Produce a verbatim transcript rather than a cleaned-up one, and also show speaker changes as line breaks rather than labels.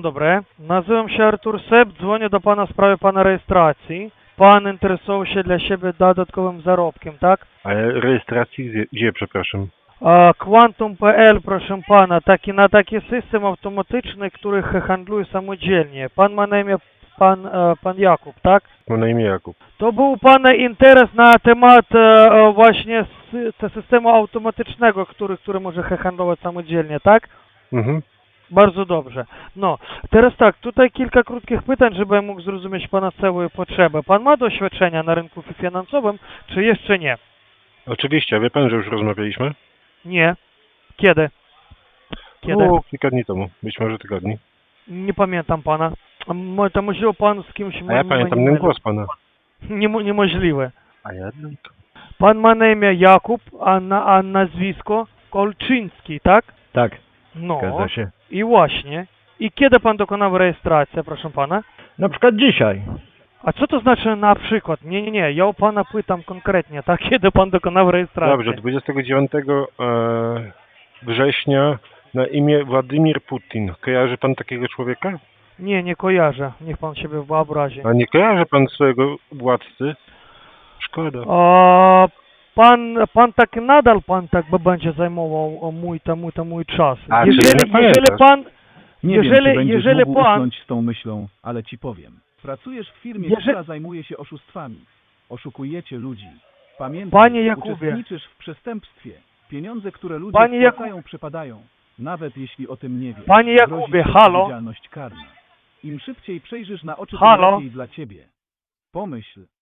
Dzień dobry. Nazywam się Artur Sep, dzwonię do pana w sprawie pana rejestracji. Pan interesował się dla siebie dodatkowym zarobkiem, tak?
Ale rejestracji gdzie, gdzie przepraszam?
A, Quantum kropka p l, proszę pana, taki, na taki system automatyczny, który handluje samodzielnie. Pan ma na imię pan, e, pan Jakub, tak?
Mam na imię Jakub.
To był pana interes na temat e, e, właśnie sy te systemu automatycznego, który, który może handlować samodzielnie, tak?
Mhm.
Bardzo dobrze. No, teraz tak, tutaj kilka krótkich pytań, żebym mógł zrozumieć pana całe potrzeby. Pan ma doświadczenia na rynku finansowym, czy jeszcze nie?
Oczywiście, wie pan, że już rozmawialiśmy?
Nie. Kiedy? Kiedy?
O, kilka dni temu, być może tygodni.
Nie pamiętam pana. Mo- To musiał pan z kimś...
A ja
m-
pamiętam
m-
ten głos pana.
Niemo- Niemożliwe.
A jednak?
Pan ma na imię Jakub, a, na, a nazwisko Kolczyński, tak?
Tak,
No.
zgadza się.
I właśnie. I kiedy pan dokonał rejestracji, proszę pana?
Na przykład dzisiaj.
A co to znaczy na przykład? Nie, nie, nie, ja u pana pytam konkretnie, tak? Kiedy pan dokonał rejestracji?
Dobrze, dwudziestego dziewiątego e, września na imię Władimir Putin. Kojarzy pan takiego człowieka?
Nie, nie kojarzę. Niech pan siebie wyobrazi.
A nie kojarzy pan swojego władcy? Szkoda.
A, pan, pan tak nadal pan tak by będzie zajmował o, mój, to, mój, to mój czas.
A, czyli
jeżeli,
nie
jeżeli
pamiętasz?
pan,
Nie
jeżeli,
wiem, czy będziesz
jeżeli
mógł
pan,
usnąć z tą myślą, ale ci powiem. Pracujesz w firmie,
Jeżeli-
która zajmuje się oszustwami. Oszukujecie ludzi. Pamiętaj,
Panie Jakubie.
uczestniczysz w przestępstwie. Pieniądze, które ludzie
Panie Jakub-
wpłacają, przepadają. Nawet jeśli o tym nie wiesz.
Panie
grozi
Jakubie,
ci
halo?
odpowiedzialność karna. Im szybciej przejrzysz na oczy, tym
Halo?
lepiej dla ciebie. Pomyśl,